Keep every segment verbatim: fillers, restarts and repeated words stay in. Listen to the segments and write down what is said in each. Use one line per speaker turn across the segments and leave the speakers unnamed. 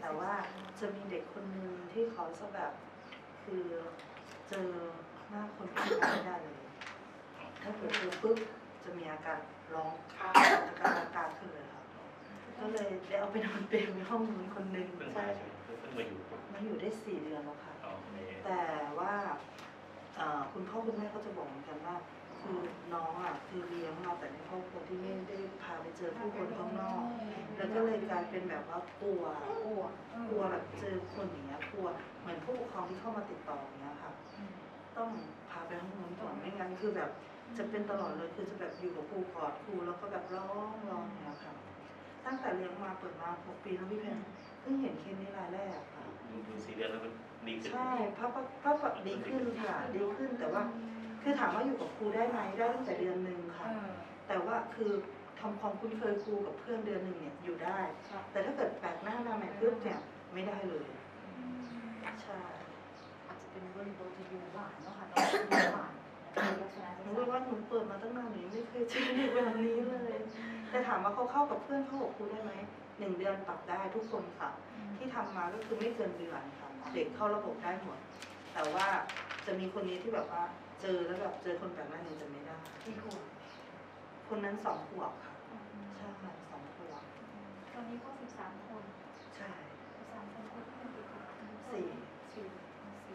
แต่ว่าจะมีเด็กคนนึงที่เขาจะแบบคือเจอหน้าคนที่ไม่ได้เลยถ้าเกิดเจอปุ๊บจะมีอาการร้องอาการอาการขึ้นเลยครับก็เลยได้เอาไปนอนเปรย์ในห้องนู้นคนนึงใช่
เพิ่งมาอยู่
มาอยู่ได้สี่เดือนแล้วค่ะแต่ว่าคุณพ่อคุณแม่ก็จะบอกเหมือนกันว่าคือน้องอ่ะคือเลี้ยงมาแต่ในครอบครัวที่ไม่ได้พาไปเจอผู้คนข้างนอกแล้วก็เลยกลายเป็นแบบว่ากลัวกลัวกลัวแบบเจอคนอย่างเงี้ยกลัวเหมือนผู้ปกครองที่เข้ามาติดต่ออย่างเงี้ยค่ะต้องพาไปห้องน้ำก่อนไม่งั้นคือแบบจะเป็นตลอดเลยคือจะแบบอยู่กับครูกอดครูแล้วก็แบบร้องร้องอย่างเงี้ยค่ะตั้งแต่เลี้ยงมาเปิดมาหกปีแล้วพี่เพนเพิ่งเห็นเคสนี้รายแรกค่ะ
ดูสี่เดือนแล้วมันดีขึ้น
ใช่เพราะเพราะแบบดีขึ้นค่ะดีขึ้นแต่ว่าคือถามว่าอยู่กับครูได้ไหมได้ตั้งแต่เดือนหนึ่งค่ะแต่ว่าคือทำความคุ้นเคยครูกับเพื่อนเดือนหนึ่งเนี่ยอยู่ได้แต่ถ้าเกิดแปลกหน้ามาใหม่ปุ๊บเนี่ยไม่ได้เลยใช่
อาจจะเป็นเรื่องโดยที่อยู่หวานเนาะค่ะต้องอยู่หวาน
หนูว่าหนูเปิดมาตั้งนานหนูไม่เคยเจอเด็กแบบนี้เลยแต่ถามว่าเขาเข้ากับเพื่อนเข้ากับครูได้ไหมหนึ่งเดือนปรับได้ทุกคนค่ะที่ทำมาก็คือไม่เกินเดือนค่ะเด็กเข้าระบบได้หมดแต่ว่าจะมีคนนี้ที่แบบว่าเจอแล้วแบบเจอคนแบบนั้นยังจะไม่ได้
กี่ขวบ
คนนั้นสองขวบค่ะใช่ค่ะสองขวบ
ตอนนี้ก็สิบสามคน
ใช่
สิบสามคนคนที่เป็นกี่ขวบ
สี่
สี่สี่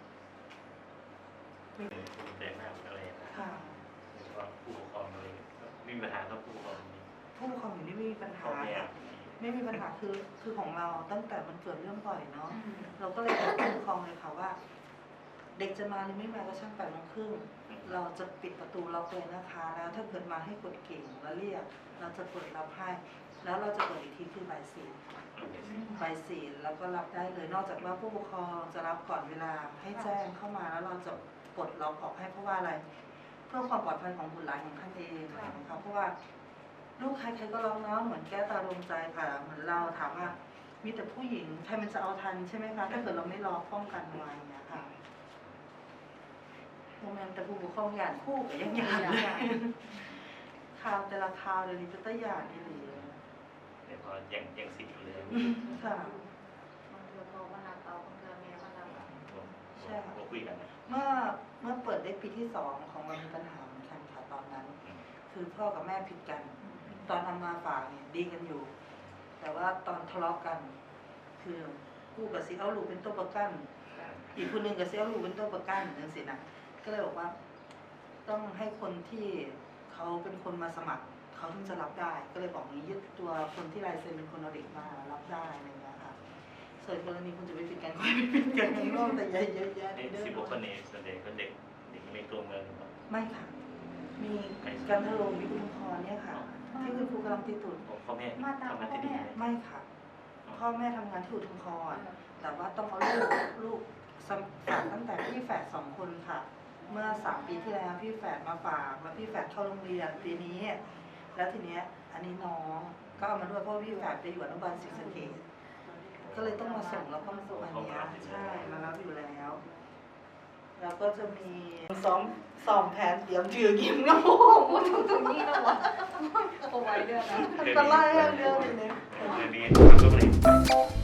แต่หน้าอะไรนะ
ค่ะ
แล้วก็ผู้ปกครองอะไรไม่มีปัญหาครับผู้ปกครอง
ผู้ปกครองอยู่นี่ไม่มีปัญหาไม่มีปัญหาคือคือของเราตั้งแต่มันเกิดเรื่องบ่อยเนาะเราก็เลยบอกผู้ปกครองเลยค่ะว่าเด็กจะมาหรือไม่มาก็ช่างแปดโมงครึ่งเราจะปิดประตูล็อกเลยนะคะแล้วถ้าเกิดมาให้กดกิ่งแล้วเรียกเราจะเปิดรับให้แล้วเราจะเปิดอีกทีคือบ่ายสี่บ่ายสี่แล้วก็รับได้เลยนอกจากว่าผู้ปกครองจะรับก่อนเวลาให้แจ้งเข้ามาแล้วเราจะปลดล็อกออกให้เพราะว่าอะไรเพื่อความปลอดภัยของบุตรหลานของท่านเองนะคะเพราะว่าลูกใครใครก็ร้องเนาะเหมือนแก้ตาดวงใจค่ะเหมือนเราถามว่ามีแต่ผู้หญิงใครมันจะเอาทันใช่ไหมคะถ้าเกิดเราไม่รอป้องกันไว้อย่างเงี้ยค่ะโมเมนต์แต่ผู้ปกครองอย่างคู่กับยังอย่างข่าวแต่ละข่าวเดี๋ยวนี้จะต้องอย่างดีเลย
เดี๋ยวพอยังยังสิทธิ์อยู่เลย
ค่ะ
มันเดือพอมานาเตาเดือเมียมานา
ใช่
ค่ะคุยกัน
เมื่อเมื่อเปิดได้ปีที่สองของเรามีปัญหาเหมือนกันค่ะตอนนั้นคือพ่อกับแม่ผิดกันตอนทำมาฝากเนี่ยดีกันอยู่ แต่ว่าตอนทะเลาะกันคือกู้กับซีเอาลูกเป็นตัวประกันอีกคนหนึ่งกับซีเอาลูกเป็นตัวประกันนั่นสินะก็เลยบอกว่าต้องให้คนที่เขาเป็นคนมาสมัครเขาถึงจะรับได้ก็เลยบอกนี้ยึดตัวคนที่ลายเซ็นเป็นคนเอาเด็กมารับได้อะไรอย่างเงี้ยค่ะส่วนกรณีคุณจะไปปิดกันก็ไม่ปิดกันข้างนอกแต่เยอะๆแยะ
เสิบหกคนนี้ส่วนใหญ่ก็เด็กเด็กในตัวเมือง
ไม่ค่ะมีการทะลงมีคุณพรเนี่ยค่ะที่คุณครูกำลังติดตุ่น
พ่อแม่ทำงานที่ดี
ไม่ค่ะพ่อแม่ทำงานที่อุทุมพรแต่ว่าต้องเอาลูกลูกฝากตั้งแต่พี่แฝดสองคนค่ะเมื่อสามปีที่แล้วพี่แฝดมาฝากแล้วพี่แฝดเข้าโรงเรียนปีนี้แล้วทีเนี้ยอันนี้น้องก็เอามาด้วยเพราะพี่แฝดไปอยู่อนุบาลศรีสะเกษก็เลยต้องมาส่งแล้วก็มาส่งอันนี้ใช่มารับอยู่แล้วแล้วก็จะมีซ้อมซ้อมแผนเตรียมถือกิมกระโปรง
ตรงตรงนี้นะวะโอ้ไว้เดือนนะ
ก็ไล่เรื่องนี้
เรื่องนี้ทำก็ไม่